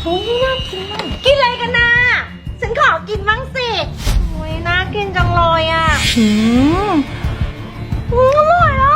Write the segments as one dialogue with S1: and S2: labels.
S1: โอ้ยน่ากินมากกินอะไรกันนะฉันขอกินบ้างสิโอ้ยน่ากินจังเลยอ่ะอร่อยอ่ะ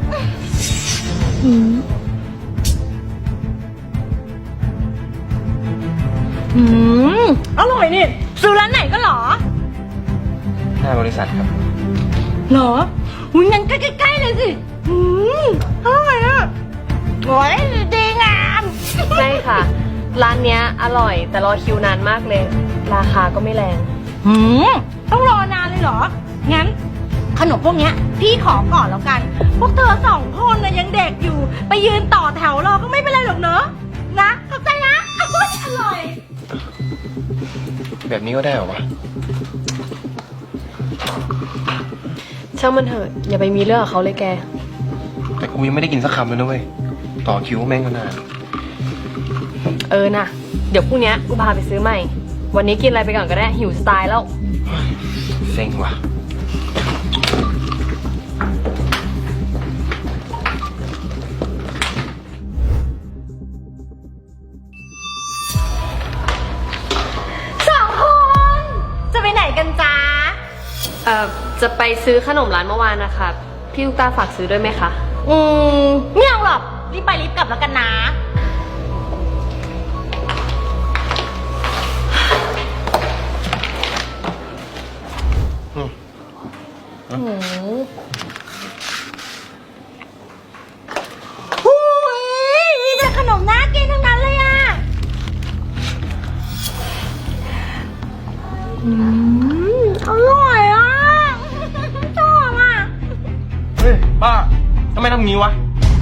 S1: อร่อยนี่ซื้อร้านไหนก็หรอ
S2: หน้าบริษัทครับ
S1: หรออุ้ยงั้นใกล้ๆเลยสิอร่อยอ่ะโอ้ยดีงาม
S3: ใช่ค่ะร้านเนี้ยอร่อยแต่รอคิวนานมากเลยราคาก็ไม่แรง
S1: ต้องรอนานเลยเหรองั้นขนมพวกเนี้ยพี่ขอก่อนแล้วกันพวกเธอ2 คนนะยังเด็กอยู่ไปยืนต่อแถวรอก็ไม่เป็นไรหรอกเนอะนะเข้าใจนะอร่อย
S2: แบบนี้ก็ได้เหรอวะ
S3: ช่างมันเถอะอย่าไปมีเรื่องกับเขาเลยแก
S2: แต่กูยังไม่ได้กินสักคำเลยนะเว้ยต่อคิวแม่งก็นาน
S3: นะเดี๋ยวพรุ่งนี้กูพาไปซื้อใหม่วันนี้กินอะไรไปก่อนก็ได้หิวสไตล์แล้ว
S2: เซ็งว่ะ
S1: 2 คนจะไปไหนกันจ๊ะ
S3: จะไปซื้อขนมร้านเมื่อวานนะคะพี่ลูกตาฝากซื้อด้วยไหมคะ
S1: ไม่เอาหรอกรีบไปรีบกลับแล้วกันนะโอ้ยมีแต่ขนมน่ากินทั้งนั้นเลยอ่ะอร่อยอ่ะชอบอ่ะ
S2: เฮ้ยป้าทำไมทำงี้วะ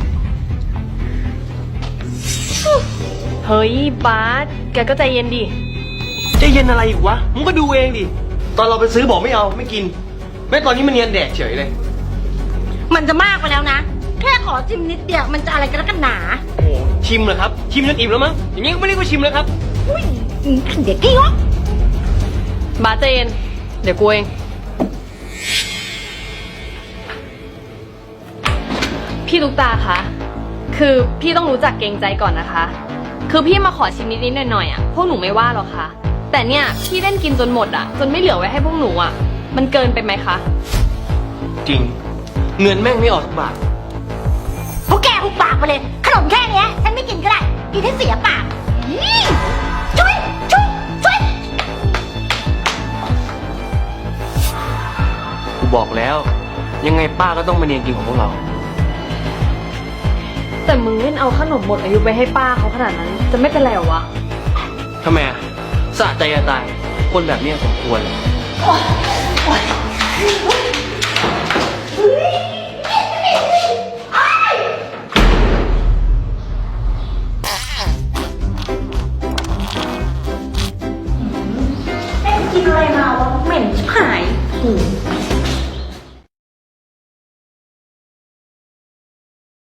S3: เฮ้ยบาสแกก็ใจเย็นดิ
S2: ใจเย็นอะไรอีกวะมึงก็ดูเองดิตอนเราไปซื้อบอกไม่เอาไม่กินแม้ตอนนี้มันเนียนแดกเฉยเลย
S1: มันจะมากไปแล้วนะแค่ขอชิมนิดเดียวมันจะอะไรกันนักกันหนา
S2: โอ้ชิมเหรอครับชิมจนอิ่มแล้วมั้งอย่างนี้ก็ไม่เรียกว่าชิมแล้วครับ
S1: อุ้ยเด็กกี้วะ
S3: บาสใจเย็นเดี๋ยวกูเองพี่ลูกตาคะคือพี่ต้องรู้จักเกรงใจก่อนนะคะคือพี่มาขอชิมนิดๆหน่อยๆพวกหนูไม่ว่าหรอกค่ะแต่เนี่ยพี่เล่นกินจนหมดจนไม่เหลือไว้ให้พวกหนูมันเกินไปไหมคะ
S2: จริงเงินแม่งไม่ออกสักบาท
S1: พวกแกหุบปากไปเลยขนมแค่นี้ฉันไม่กินก็ได้กินให้เสียปากช่วย
S2: กูบอกแล้วยังไงป้าก็ต้องมาเนียนกินของพวกเรา
S3: แต่มึงเล่นเอาขนมหมดอายุไปให้ป้าเขาขนาดนั้นจะไม่เป็นไรหรอวะ
S2: ทำไมสะใจจะตายคนแบบนี้สมควรเลย
S1: กินอะไรมาวะเหม็นชิบหาย